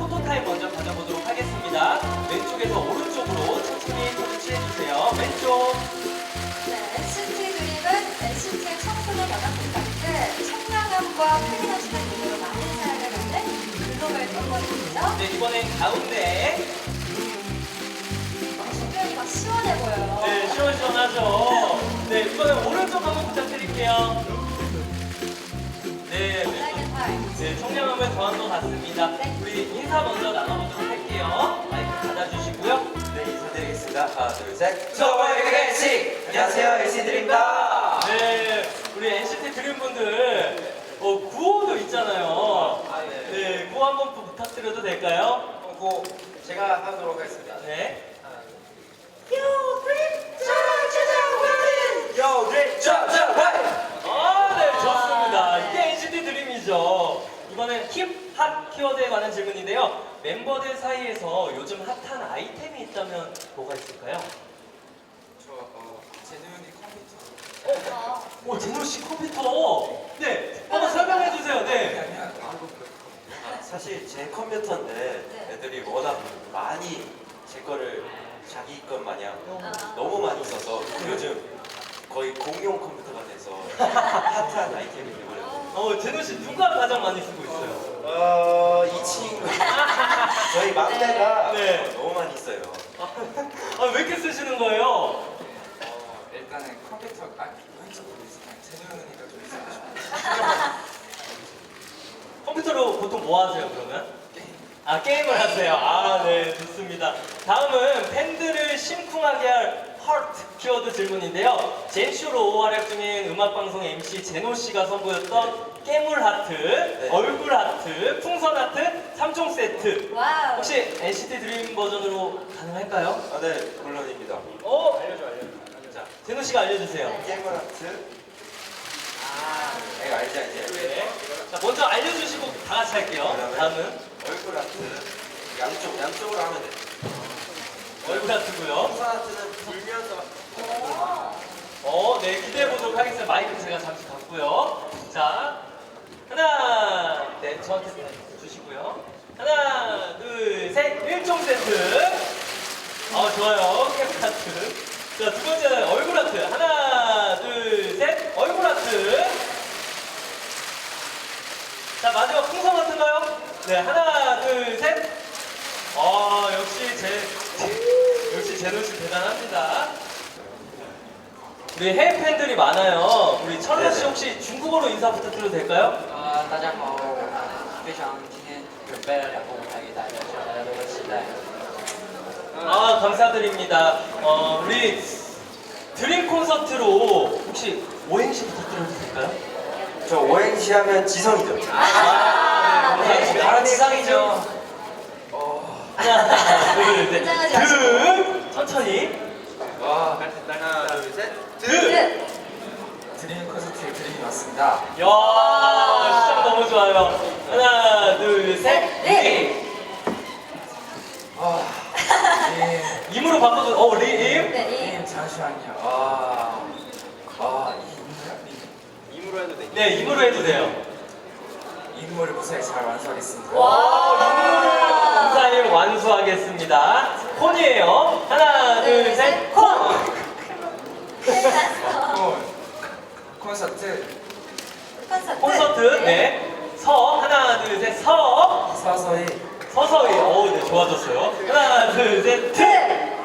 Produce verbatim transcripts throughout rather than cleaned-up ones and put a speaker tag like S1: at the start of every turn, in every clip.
S1: 포토타임 먼저 가져보도록 하겠습니다. 왼쪽에서 오른쪽으로 천천히 포즈 취해주세요. 왼쪽.
S2: 네, 엔시티 드림은 엔시티의 청소년 연합 콘서트 청량함과 프리덤시한 무대로 많은 사랑을 받는 글로벌 팬버스입니다.
S1: 네, 이번엔 가운데.
S2: 신경이 막 시원해 보여요.
S1: 네, 시원시원하죠. 네, 이번엔 오른쪽 한번 부탁드릴게요. 네,
S2: Second part.
S1: 네, 청량함을 더한 것 같습니다.
S2: 네.
S1: 우리 인사 먼저 나눠보도록 할게요. 마이크 받아주시고요.
S3: 네, 인사드리겠습니다. 하나, 둘, 셋. 저번에 엔시! 안녕하세요, 엔시드림입니다.
S1: 네, 우리 엔시티 드림분들 어, 구호도 있잖아요.
S3: 아, 네.
S1: 네, 구호 한번 또 부탁드려도 될까요?
S3: 그리고 제가 하도록 하겠습니다.
S1: 네.
S3: 요, 드림! 짜자자자와인! 요, 드림! 짜자자와인!
S1: 아, 네, 좋습니다. 이게 엔시티 드림이죠. 이번엔 힙합 키워드에 관한 질문인데요. 멤버들 사이에서 요즘 핫한 아이템이 있다면 뭐가 있을까요?
S3: 저, 어, 제노 형이 컴퓨터.
S2: 어,
S1: 오, 제노 씨 컴퓨터. 네, 한번 설명해 주세요. 네.
S3: 아니야, 사실 제 컴퓨터인데
S2: 네.
S3: 애들이 워낙 많이 제 거를 자기 것 마냥
S2: 아.
S3: 너무 많이 써서 요즘 거의 공용 컴퓨터가 돼서 핫한 아이템이 되버렸어요.
S1: 어, 제노 씨 누가 가장 많이 쓰고 있어요?
S3: 어, 이 친구. 저희 막내가
S1: 네.
S3: 너무 많이 써요.
S1: 아, 왜 이렇게 쓰시는 거예요?
S4: 어, 일단은 컴퓨터 아 왼쪽 모르겠어요. 제노 형이니까 좀 있어요.
S1: 컴퓨터로 보통 뭐 하세요, 그러면? 아, 게임을 하세요. 아, 네, 좋습니다. 다음은 팬들을 심쿵하게 할 하트 키워드 질문인데요. 젠쇼로 활약 중인 음악방송 엠씨 제노 씨가 선보였던 깨물 하트,
S3: 네.
S1: 얼굴 하트, 풍선 하트 삼 종 세트.
S2: 와우.
S1: 혹시 엔시티 드림 버전으로 가능할까요?
S3: 아, 네, 물론입니다.
S1: 어?
S3: 알려줘, 알려줘. 자,
S1: 제노 씨가 알려주세요.
S3: 게임을 하트. 아, 이거 알지, 알지?
S1: 네. 자, 먼저 알려주시고 다 같이 할게요.
S3: 그러면?
S1: 다음은
S3: 얼굴 하트. 양쪽, 양쪽으로 하면 돼.
S1: 얼굴 하트고요.
S3: 풍선 하트는 불면서.
S1: 어, 네, 기대해 보도록 하겠습니다. 마이크 제가 잠시 갖고요. 자, 하나, 네, 저한테 주시고요. 하나, 둘, 셋, 일종 세트. 어, 좋아요. 캠 하트. 자, 두 번째는 얼굴 하트. 하나, 둘, 셋, 얼굴 하트. 자, 마지막 풍선 하트인가요? 네, 하나, 둘, 셋. 어, 역시 제, 역시 제노 씨 대단합니다. 우리 해외 팬들이 많아요. 우리 철러 씨
S3: 네네.
S1: 혹시 중국어로 인사 부탁드려도 될까요?
S5: 呃，大家好，非常今天准备了两个舞台给大家，希望大家都会期待。
S1: 아, 감사드립니다. 어, 우리 드림 콘서트로 혹시 오행시 부탁드려도 될까요?
S3: 저 오행시 하면 지성이죠.
S1: 아, 네, 감사합니다.
S5: 바로 지상이죠.
S1: 하나, 둘, 셋.
S2: 긴장하지 마시고.
S1: 드 천천히.
S3: 와, 하나, 둘, 셋.
S1: 드.
S2: 드.
S4: 드림 콘서트에 드림이 왔습니다.
S1: 야, 시작 너무 좋아요. 하나, 둘, 셋.
S2: 네.
S1: 리.
S4: 아, 네.
S1: 임으로 바꿔줘. 어, 리, 임.
S2: 네, 이.
S4: 님 잠시만요. 아, 아, 이
S3: 임으로 해도 돼.
S1: 네, 임으로 해도 돼요.
S4: 인물을 무사히 잘 완수하겠습니다.
S1: 와, 인사임 완수하겠습니다. 콘이에요. 하나, 둘, 셋, 콘.
S4: 콘 콘서트
S2: 콘서트.
S1: 콘서트. 네. 서. 하나, 둘, 셋, 서.
S4: 서서히
S1: 서서히. 오, 네, 좋아졌어요. 하나, 둘, 셋, 트.
S2: 트.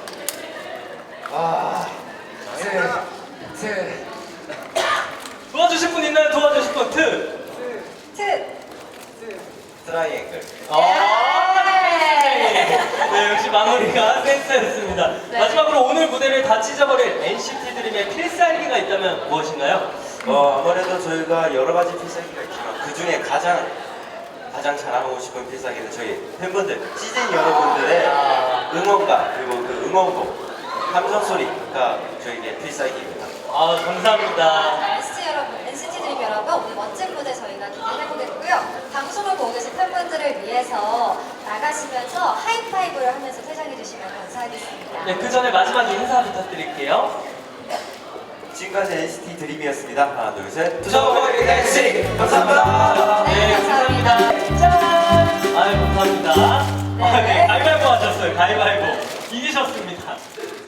S4: 아, 트, 트,
S1: 도와주실 분 있나요? 도와주실 분. 트.
S2: 트.
S3: 트라이앵글.
S1: 아, 네, 역시 마무리가 센스였습니다.
S2: 네.
S1: 마지막으로 오늘 무대를 다 찢어버릴 엔시티 드림의 필살기가 있다면 무엇인가요?
S3: 어, 아무래도 저희가 여러 가지 필살기가 있지만 그 중에 가장 가장 자랑하고 싶은 필살기는 저희 팬분들, 시즌 여러분들의 응원가 그리고 그 응원곡, 함성 소리가 저희의 필살기입니다.
S1: 아, 감사합니다.
S2: 엔시티 여러분, 엔시티 드림 여러분, 오늘 멋진 무대 저희가 기대해보겠고요. 방송을 보고 계신 팬분들을 위해서 나가시면서 하이파이브를 하면서 퇴장해주시면 감사하겠습니다.
S1: 네, 그 전에 마지막 인사 부탁드릴게요.
S3: 지금까지 엔시티 드림이었습니다. 하나, 둘, 셋.
S1: 저번에
S3: 엔시 감사합니다.
S1: 네, 감사합니다. 짠! 아유, 감사합니다. 축하드립니다. 아, 네, 가위바위보 하셨어요. 가위바위보. 이기셨습니다.